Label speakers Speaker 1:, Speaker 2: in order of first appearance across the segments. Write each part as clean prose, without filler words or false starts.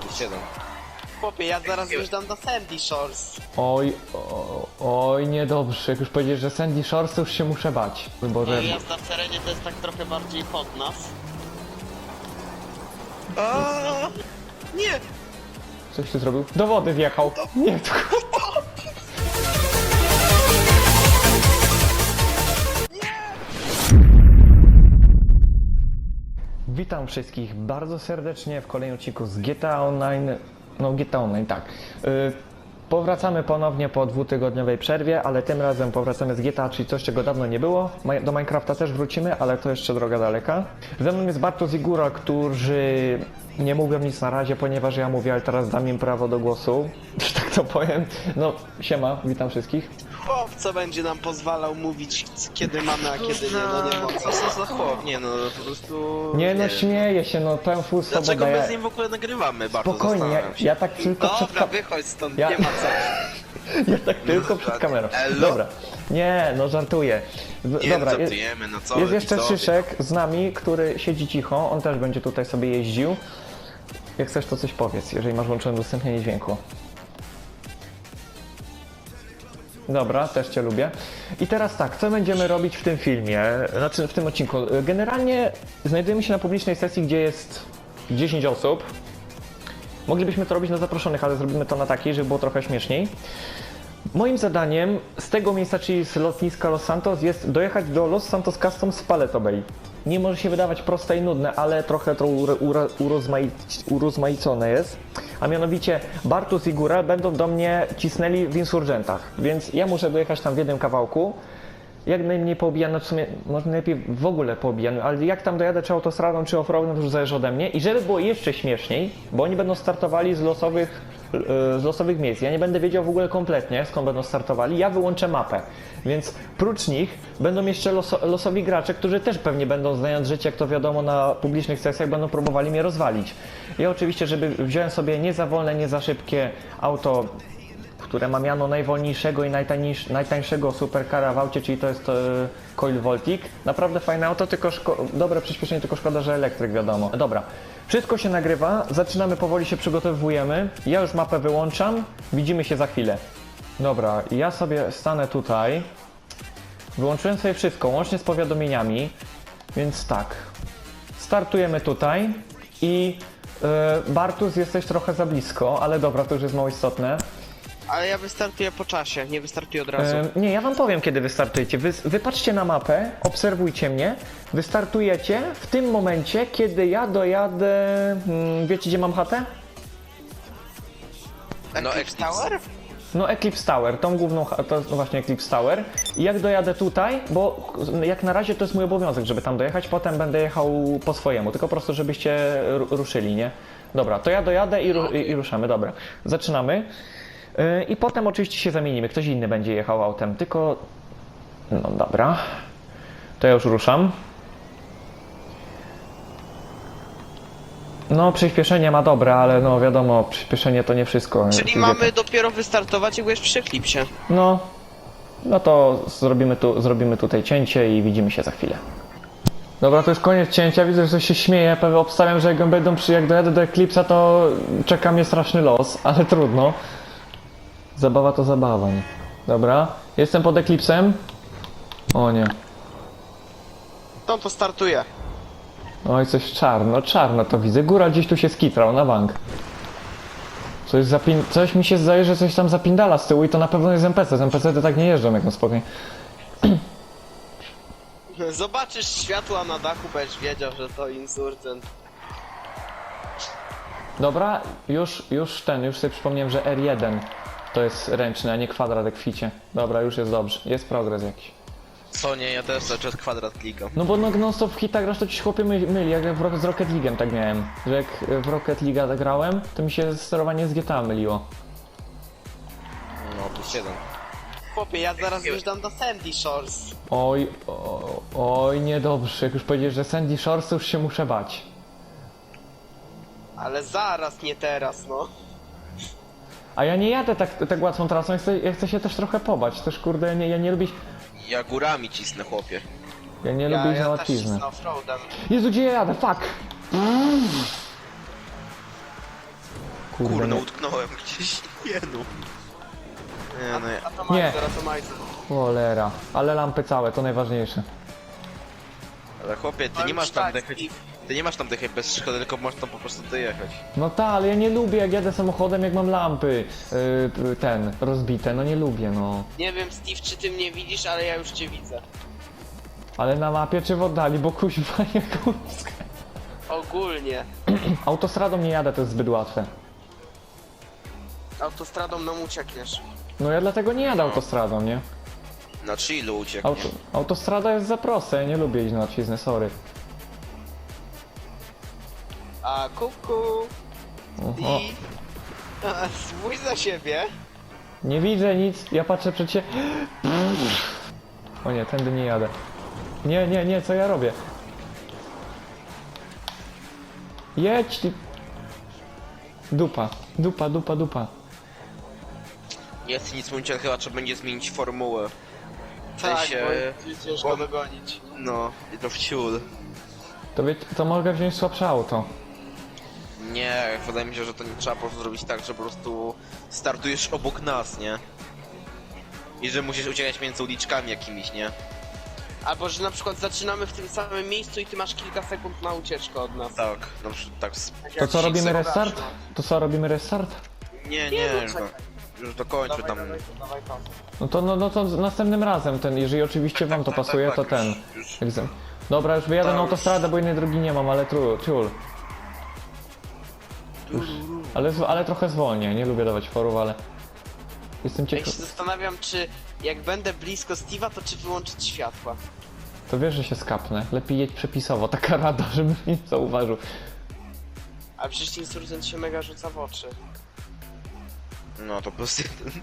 Speaker 1: plus 7.
Speaker 2: Chłopie, ja zaraz wjeżdżam do Sandy Shores.
Speaker 3: Oj, niedobrze. Jak już powiedziesz, że Sandy Shores, to już się muszę bać. Boże.
Speaker 2: No i jazda w terenie to jest tak trochę bardziej pod nas. Nie!
Speaker 3: Coś ty zrobił? Do wody wjechał. Nie, to... Witam wszystkich bardzo serdecznie w kolejnym odcinku z GTA Online. No, GTA Online, tak. Powracamy ponownie po dwutygodniowej przerwie, ale tym razem powracamy z GTA, czyli coś, czego dawno nie było. Do Minecrafta też wrócimy, ale to jeszcze droga daleka. Ze mną jest Bartosz i Góra, którzy nie mówią nic na razie, ponieważ ja mówię, ale teraz dam im prawo do głosu, że tak to powiem. No, siema, witam wszystkich.
Speaker 2: Chłop, co będzie nam pozwalał mówić, kiedy mamy, a kiedy nie, no nie mogę.
Speaker 1: Co za chłop? Nie no, po prostu...
Speaker 3: Nie no, śmieję się, no pełen full swoboda.
Speaker 1: Dlaczego my z nim w ogóle nagrywamy? Bardzo
Speaker 3: Spokojnie,
Speaker 1: zastanawiam się.
Speaker 3: ja tak tylko przed
Speaker 2: Dobra, wychodź stąd,
Speaker 3: Ja-
Speaker 2: nie ma co.
Speaker 3: Ja tak tylko przed kamerą.
Speaker 1: Elo.
Speaker 3: Dobra. Nie, no żartuję.
Speaker 1: Nie,
Speaker 3: Dobra,
Speaker 1: no, żartujemy, no co
Speaker 3: jest
Speaker 1: wy,
Speaker 3: jeszcze
Speaker 1: widzowie?
Speaker 3: Szyszek z nami, który siedzi cicho. On też będzie tutaj sobie jeździł. Jak chcesz, to coś powiedz, jeżeli masz włączone udostępnienie dźwięku. Dobra, też Cię lubię. I teraz tak, co będziemy robić w tym filmie, znaczy w tym odcinku? Generalnie znajdujemy się na publicznej sesji, gdzie jest 10 osób. Moglibyśmy to robić na zaproszonych, ale zrobimy to na takiej, żeby było trochę śmieszniej. Moim zadaniem z tego miejsca, czyli z lotniska Los Santos, jest dojechać do Los Santos Customs z Paleto Bay. Nie może się wydawać proste i nudne, ale trochę to urozmaicone jest. A mianowicie Bartusz i Góra będą do mnie cisnęli w insurgentach, więc ja muszę dojechać tam w jednym kawałku. Jak najmniej poobijany, w sumie może najlepiej w ogóle poobijany, ale jak tam dojadę, czy autostradą, czy offroadem, to już zależy ode mnie. I żeby było jeszcze śmieszniej, bo oni będą startowali z losowych miejsc. Ja nie będę wiedział w ogóle kompletnie, skąd będą startowali. Ja wyłączę mapę, więc prócz nich będą jeszcze losowi gracze, którzy też pewnie będą, znając życie, jak to wiadomo, na publicznych sesjach, będą próbowali mnie rozwalić. Ja oczywiście, żeby wziąłem sobie nie za wolne, nie za szybkie auto, które ma miano najwolniejszego i najtańszego supercara w aucie, czyli to jest Coil Voltic. Naprawdę fajne auto, tylko dobre przyspieszenie, tylko szkoda, że elektryk, wiadomo. Dobra, wszystko się nagrywa, zaczynamy, powoli się przygotowujemy. Ja już mapę wyłączam, widzimy się za chwilę. Dobra, ja sobie stanę tutaj. Wyłączyłem sobie wszystko, łącznie z powiadomieniami, więc tak. Startujemy tutaj i Bartusz, jesteś trochę za blisko, ale dobra, to już jest mało istotne.
Speaker 2: Ale ja wystartuję po czasie, nie wystartuję od razu.
Speaker 3: Nie, ja wam powiem, kiedy wystartujecie. Wy patrzcie na mapę, obserwujcie mnie, wystartujecie w tym momencie, kiedy ja dojadę... wiecie, gdzie mam chatę?
Speaker 1: No,
Speaker 2: Eclipse Tower?
Speaker 3: No, Eclipse Tower, tą główną to jest właśnie Eclipse Tower. I jak dojadę tutaj, bo jak na razie to jest mój obowiązek, żeby tam dojechać, potem będę jechał po swojemu, tylko po prostu żebyście ruszyli, nie? Dobra, to ja dojadę i ruszamy, dobra. Zaczynamy. I potem oczywiście się zamienimy, ktoś inny będzie jechał autem, tylko... No dobra, to ja już ruszam. No przyspieszenie ma dobre, ale no wiadomo, przyspieszenie to nie wszystko.
Speaker 2: Czyli mamy dopiero wystartować, jak już przy Eclipsie.
Speaker 3: No to zrobimy tutaj cięcie i widzimy się za chwilę. Dobra, to już koniec cięcia, widzę, że ktoś się śmieje, pewnie obstawiam, że jak dojadę do Eclipse'a, to czeka mnie straszny los, ale trudno. Zabawa to zabawa, nie? Dobra, jestem pod Eclipse'em. O nie.
Speaker 2: To startuje.
Speaker 3: Oj, coś czarno to widzę. Góra gdzieś tu się skitrał, na bank. Coś mi się zdaje, że coś tam zapindala z tyłu i to na pewno jest NPC. Z NPC to tak nie jeżdżą, jak na spokojnie.
Speaker 2: Zobaczysz światła na dachu, będziesz wiedział, że to insurgent.
Speaker 3: Dobra, już sobie przypomniałem, że R1 to jest ręczny, a nie kwadrat jak w ficie. Dobra, już jest dobrze. Jest progres jakiś.
Speaker 1: Co nie, ja też cały czas kwadrat klikam.
Speaker 3: No bo non stop w hitach grasz, to ci chłopie myli, jak z Rocket League'em tak miałem. Że jak w Rocket League'a grałem, to mi się sterowanie z GTA myliło.
Speaker 1: No, plus 7.
Speaker 2: Chłopie, ja zaraz wjeżdżam do Sandy Shores.
Speaker 3: Oj, niedobrze. Jak już powiedziesz, że Sandy Shores, to już się muszę bać.
Speaker 2: Ale zaraz, nie teraz, no.
Speaker 3: A ja nie jadę tak łatwą trasą, ja chcę się też trochę pobać. Też kurde, ja nie lubię...
Speaker 1: Ja górami cisnę, chłopie.
Speaker 3: Ja nie lubię iść na
Speaker 2: Ja też
Speaker 3: łatwiznę.
Speaker 2: cisnę offroadem.
Speaker 3: Jezu, gdzie ja jadę? Fuck! Kurde,
Speaker 1: Kurno,
Speaker 3: nie.
Speaker 1: utknąłem gdzieś. Nie no. Nie no,
Speaker 2: A to
Speaker 3: Nie.
Speaker 2: majzer, a to majzer.
Speaker 3: Cholera. Ale lampy całe, to najważniejsze.
Speaker 1: ale chłopie, ty
Speaker 2: Ale
Speaker 1: nie masz
Speaker 2: już
Speaker 1: tam
Speaker 2: tak,
Speaker 1: dojechać. Ty nie masz tam dojechać bez szkody, tylko możesz tam po prostu dojechać.
Speaker 3: No tak, ale ja nie lubię jak jadę samochodem, jak mam lampy rozbite, no nie lubię, no.
Speaker 2: Nie wiem, Steve, czy ty mnie widzisz, ale ja już cię widzę.
Speaker 3: Ale na mapie czy w oddali, bo kuźwa nie kurska.
Speaker 2: Ogólnie.
Speaker 3: Autostradą nie jadę, to jest zbyt łatwe.
Speaker 2: Autostradą nam uciekniesz.
Speaker 3: No ja dlatego nie jadę autostradą, nie?
Speaker 1: Na chillu ucieknie.
Speaker 3: Autostrada jest za prosta, ja nie lubię iść na odciznę, sorry.
Speaker 2: A kuku.
Speaker 3: Oho.
Speaker 2: I... Spójrz za siebie.
Speaker 3: Nie widzę nic, ja patrzę przed siebie. O nie, tędy nie jadę. Nie, nie, nie, co ja robię? Jedź ty... Dupa, dupa, dupa, dupa.
Speaker 1: Nie chcę nic mówić, ale chyba trzeba będzie zmienić formułę. W
Speaker 2: Tak,
Speaker 1: sensie...
Speaker 2: bo jest ciężko dogonić.
Speaker 1: No, i to w ciul.
Speaker 3: To mogę wziąć słabsze auto.
Speaker 1: Nie, wydaje mi się, że to nie trzeba po prostu zrobić tak, że po prostu startujesz obok nas, nie? I że musisz uciekać między uliczkami jakimiś, nie?
Speaker 2: Albo, że na przykład zaczynamy w tym samym miejscu i ty masz kilka sekund na ucieczkę od nas.
Speaker 1: Tak, na przykład tak.
Speaker 2: Tak
Speaker 3: To
Speaker 2: jak
Speaker 3: co, robimy
Speaker 2: Six
Speaker 3: restart?
Speaker 2: Seconds.
Speaker 3: To co, robimy restart?
Speaker 1: Nie,
Speaker 2: Nie,
Speaker 1: nie,
Speaker 2: no
Speaker 1: już,
Speaker 2: czekaj.
Speaker 1: już dokończmy tam.
Speaker 2: Dawaj to.
Speaker 3: No to następnym razem ten, jeżeli oczywiście wam to
Speaker 1: tak,
Speaker 3: pasuje,
Speaker 1: tak,
Speaker 3: to
Speaker 1: tak,
Speaker 3: ten.
Speaker 1: już.
Speaker 3: Dobra, już wyjadę
Speaker 1: Tak,
Speaker 3: na
Speaker 1: już.
Speaker 3: autostradę, bo innej drogi nie mam, ale ciul. Ale trochę zwolnię, nie lubię dawać forów, ale... Jestem
Speaker 2: Ja się
Speaker 3: ciekaw...
Speaker 2: zastanawiam, czy jak będę blisko Steve'a, to czy wyłączyć światła.
Speaker 3: To wiesz, że się skapnę. Lepiej jedź przepisowo, taka rada, żebym nie zauważył.
Speaker 2: A przecież insurgent się mega rzuca w oczy.
Speaker 1: No to po prostu...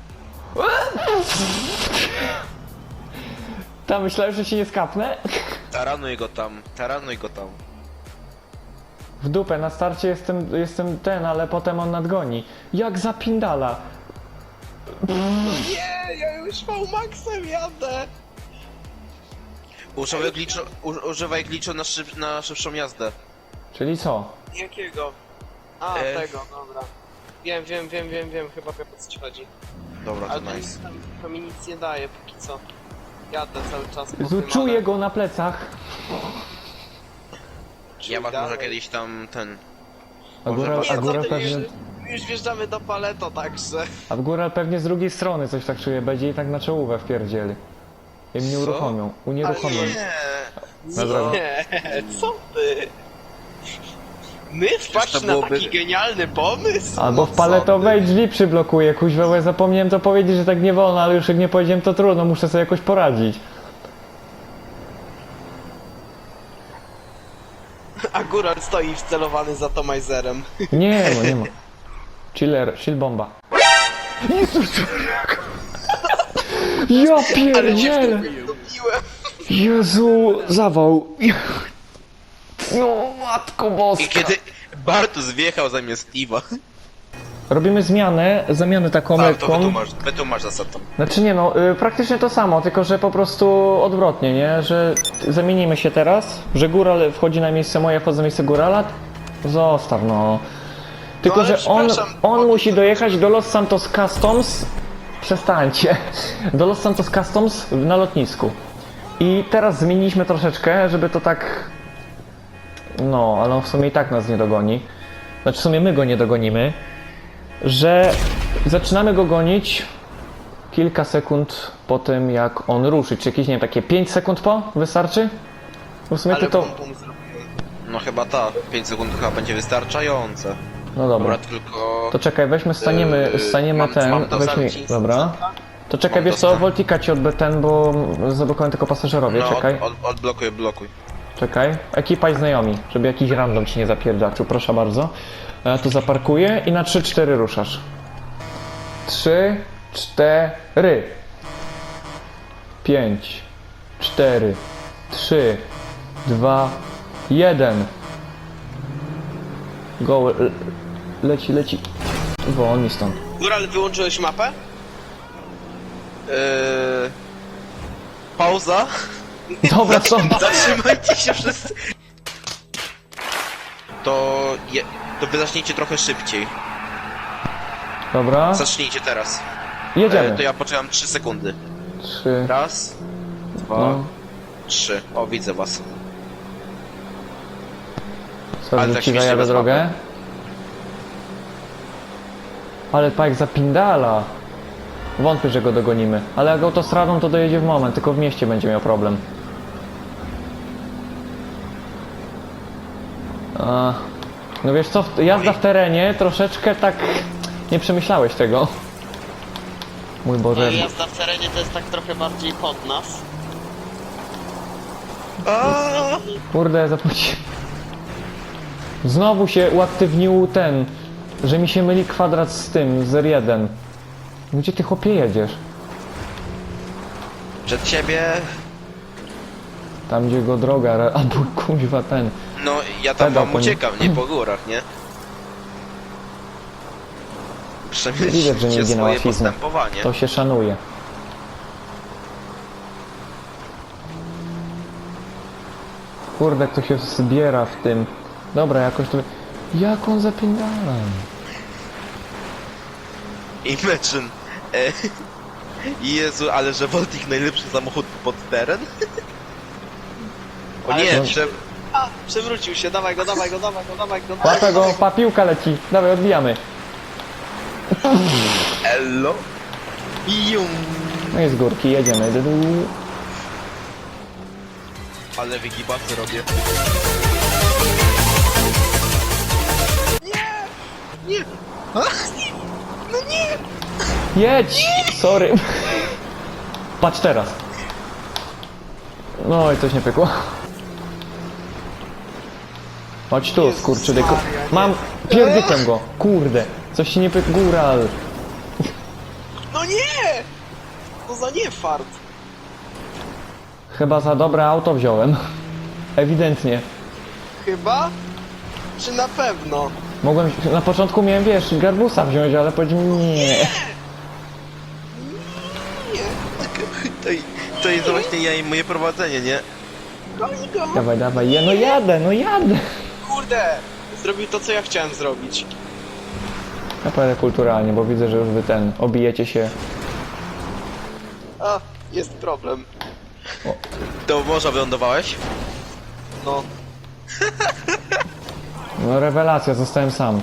Speaker 3: Ta, myślałem, że się nie skapnę.
Speaker 1: Taranuj go tam, taranuj go tam.
Speaker 3: W dupę, na starcie jestem ten, ale potem on nadgoni. Jak zapindala.
Speaker 2: Nie, ja już V-Maxem jadę!
Speaker 1: Używaj glitchu na szybszą jazdę.
Speaker 3: Czyli co?
Speaker 2: Jakiego? A, tego, dobra. Wiem, chyba wiem o co ci chodzi.
Speaker 1: Dobra,
Speaker 2: Ale
Speaker 1: to
Speaker 2: to,
Speaker 1: nice.
Speaker 2: to mi nic nie daje póki co. Jadę cały czas po
Speaker 3: Jezu,
Speaker 2: tym,
Speaker 3: czuję
Speaker 2: ale-
Speaker 3: go na plecach.
Speaker 1: Ja was
Speaker 2: dalej.
Speaker 1: może kiedyś tam ten...
Speaker 3: A
Speaker 1: Może
Speaker 3: góral,
Speaker 1: was-
Speaker 3: a
Speaker 2: Nie,
Speaker 3: góral
Speaker 2: co ty,
Speaker 3: pewnie...
Speaker 2: już wjeżdżamy do Paleto, także...
Speaker 3: A w góral pewnie z drugiej strony coś tak czuję, będzie i tak na czołówę wpierdzieli. I mnie
Speaker 1: Co?
Speaker 3: uruchomią, unieruchomią. Dobra.
Speaker 2: Nie, co ty? My wpaść
Speaker 1: to
Speaker 2: na
Speaker 1: byłoby-
Speaker 2: taki genialny pomysł?
Speaker 3: Albo w
Speaker 1: co
Speaker 3: paletowej
Speaker 1: ty?
Speaker 3: drzwi przyblokuję, kuźwa, bo ja zapomniałem to powiedzieć, że tak nie wolno, ale już jak nie powiedziałem to trudno, muszę sobie jakoś poradzić.
Speaker 2: A góral stoi wcelowany za Tomajzerem.
Speaker 3: Nie, no nie ma. Chill bomba. Jezus! Ja pierdzielę!
Speaker 2: Dobiłem.
Speaker 3: Jezu, zawał. No, matko boska.
Speaker 1: I kiedy Bartus wjechał zamiast Steve'a.
Speaker 3: Robimy zamianę taką
Speaker 1: Tak, to
Speaker 3: lekką.
Speaker 1: wytłumacz zasadą.
Speaker 3: Znaczy nie no, praktycznie to samo, tylko że po prostu odwrotnie, nie? Że zamienimy się teraz, że góral wchodzi na miejsce moje, wchodzę na miejsce górala. Zostaw no. Tylko
Speaker 2: No, ale
Speaker 3: że on
Speaker 2: przepraszam,
Speaker 3: musi dojechać do Los Santos Customs. Przestańcie. Do Los Santos Customs na lotnisku. I teraz zmieniliśmy troszeczkę, żeby to tak... No, ale on w sumie i tak nas nie dogoni. Znaczy w sumie my go nie dogonimy. Że zaczynamy go gonić kilka sekund po tym, jak on ruszy. Czy jakieś, nie wiem, takie 5 sekund po? Wystarczy? Bo w sumie ty
Speaker 2: Ale
Speaker 3: to...
Speaker 2: bum bum zrobiłem.
Speaker 1: No chyba tak, 5 sekund chyba będzie wystarczające.
Speaker 3: No dobra.
Speaker 1: Dobra, tylko...
Speaker 3: To czekaj, weźmy, staniemy
Speaker 1: mam
Speaker 3: ten,
Speaker 1: to
Speaker 3: weźmy...
Speaker 1: zamknij.
Speaker 3: Dobra. To czekaj,
Speaker 1: Mam
Speaker 3: wiesz
Speaker 1: to
Speaker 3: co,
Speaker 1: sam.
Speaker 3: Voltika ci odbę ten, bo zablokowałem tylko pasażerowie,
Speaker 1: No,
Speaker 3: czekaj.
Speaker 1: blokuj.
Speaker 3: Czekaj. Ekipa i znajomi, żeby jakiś random ci nie zapierdaczył, proszę bardzo. Ja tu zaparkuję i na 3-4 ruszasz. 3, 4. 5, 4, 3, 2, 1. Go, leci. Wolni stąd.
Speaker 2: Góral, wyłączyłeś mapę?
Speaker 1: Pauza.
Speaker 3: Dobra, co?
Speaker 1: Zatrzymajcie się wszyscy. To wy zacznijcie trochę szybciej.
Speaker 3: Dobra,
Speaker 1: Zacznijcie teraz.
Speaker 3: jedziemy.
Speaker 1: To ja poczekam 3 sekundy.
Speaker 3: 3,
Speaker 1: Raz, dwa,
Speaker 3: no.
Speaker 1: 3. O, widzę was.
Speaker 3: Sorry,
Speaker 1: Ale
Speaker 3: że
Speaker 1: tak
Speaker 3: ci
Speaker 1: śmiesznie
Speaker 3: zajadę
Speaker 1: bez
Speaker 3: drogę. Ale Pajek zapindala. Wątpię, że go dogonimy. Ale jak autostradą to dojedzie w moment, tylko w mieście będzie miał problem. No wiesz co, jazda w terenie troszeczkę tak... Nie przemyślałeś tego. Mój Boże.
Speaker 2: Jazda w terenie to jest tak trochę bardziej pod nas.
Speaker 3: Kurde, zapłaciłem. Znowu się uaktywnił ten, że mi się myli kwadrat z tym, z R1. Gdzie ty chłopie jedziesz?
Speaker 1: Przed ciebie.
Speaker 3: Tam gdzie go droga, albo kuźwa ten.
Speaker 1: No, ja tam
Speaker 3: Pedał
Speaker 1: wam
Speaker 3: po nim.
Speaker 1: uciekam, nie po górach, nie?
Speaker 3: Widać, że nie
Speaker 1: Przemyślcie
Speaker 3: idzie na
Speaker 1: swoje
Speaker 3: łatwiznę.
Speaker 1: postępowanie.
Speaker 3: To się szanuje. Kurde, kto się zbiera w tym. Dobra, jakoś to... Jak on zapierdala?
Speaker 1: Imagine. Jezu, ale że Voltik najlepszy samochód pod teren? O
Speaker 2: Ale
Speaker 1: nie,
Speaker 2: to-
Speaker 1: że...
Speaker 2: Przewrócił się, dawaj go, dawaj go, dawaj go, dawaj go.
Speaker 3: Łapę go, pa, piłka leci. Dawaj, odbijamy.
Speaker 1: Ello? Jum.
Speaker 3: No i z górki, jedziemy.
Speaker 1: Ale wygibasy robię. Nie! Nie! A? No nie!
Speaker 3: Jedź! Sorry. Patrz teraz. No i coś nie pykło. Chodź tu,
Speaker 2: Jezus
Speaker 3: skurczydyku.
Speaker 2: Maria, nie.
Speaker 3: Mam... Pierdykłem go. Kurde. Coś się nie pykło. Góral.
Speaker 2: No nie! To za nie fart.
Speaker 3: Chyba za dobre auto wziąłem. Ewidentnie.
Speaker 2: Chyba? Czy na pewno?
Speaker 3: Mogłem... Na początku miałem, wiesz, garbusa wziąć, ale powiedziałem nie.
Speaker 2: Nie!
Speaker 1: To jest właśnie ja i moje prowadzenie, nie?
Speaker 2: Goni go!
Speaker 3: Dawaj, dawaj. No jadę, no jadę.
Speaker 2: Kurde! Zrobił to, co ja chciałem zrobić.
Speaker 3: Ja pojadę kulturalnie, bo widzę, że już wy obijecie się.
Speaker 2: A, jest problem.
Speaker 1: Do morza wylądowałeś?
Speaker 2: No.
Speaker 3: No rewelacja, zostałem sam.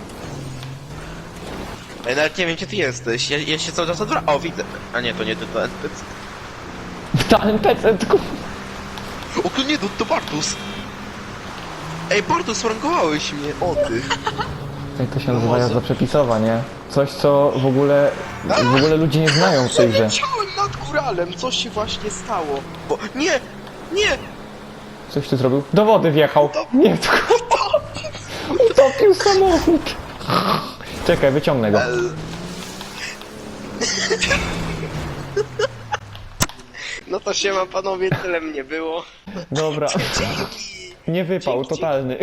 Speaker 1: Ja nawet nie wiem, gdzie ty jesteś. Ja się cały czas odwracam. O, widzę. A nie, to nie ty, to NPC.
Speaker 3: Ta NPC, tylko...
Speaker 1: O, to nie, to Bartus. Ej, Bartus, sprankowałeś mnie. O, ty.
Speaker 3: Jak to się nazywa
Speaker 2: może.
Speaker 3: jazda przepisowa, nie? Coś, co w ogóle ludzie nie znają w tej grze.
Speaker 2: Przeleciałem nad góralem, co się właśnie stało?
Speaker 1: Bo... Nie! Nie!
Speaker 3: Coś ty zrobił? Do wody wjechał. Nie, to... Utopił samochód. Czekaj, wyciągnę go.
Speaker 2: No to siema panowie, tyle mnie było.
Speaker 3: Dobra. Nie wypał,
Speaker 2: Dzięki.
Speaker 3: totalny.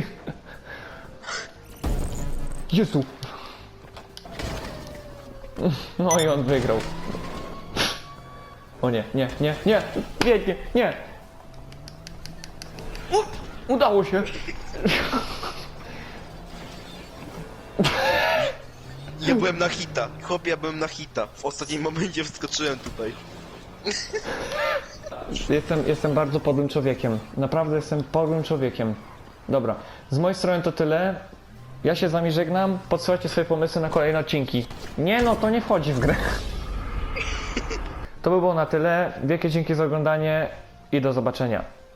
Speaker 3: Jezu. No i on wygrał. O nie, nie, nie, nie, biegnie, nie. Udało się.
Speaker 1: Ja byłem na hita. Chłopie, ja byłem na hita. W ostatnim momencie wskoczyłem tutaj.
Speaker 3: Jestem bardzo podłym człowiekiem. Naprawdę jestem podłym człowiekiem. Dobra, z mojej strony to tyle. Ja się z wami żegnam. Podsyłajcie swoje pomysły na kolejne odcinki. Nie no, to nie wchodzi w grę. To by było na tyle. Wielkie dzięki za oglądanie i do zobaczenia.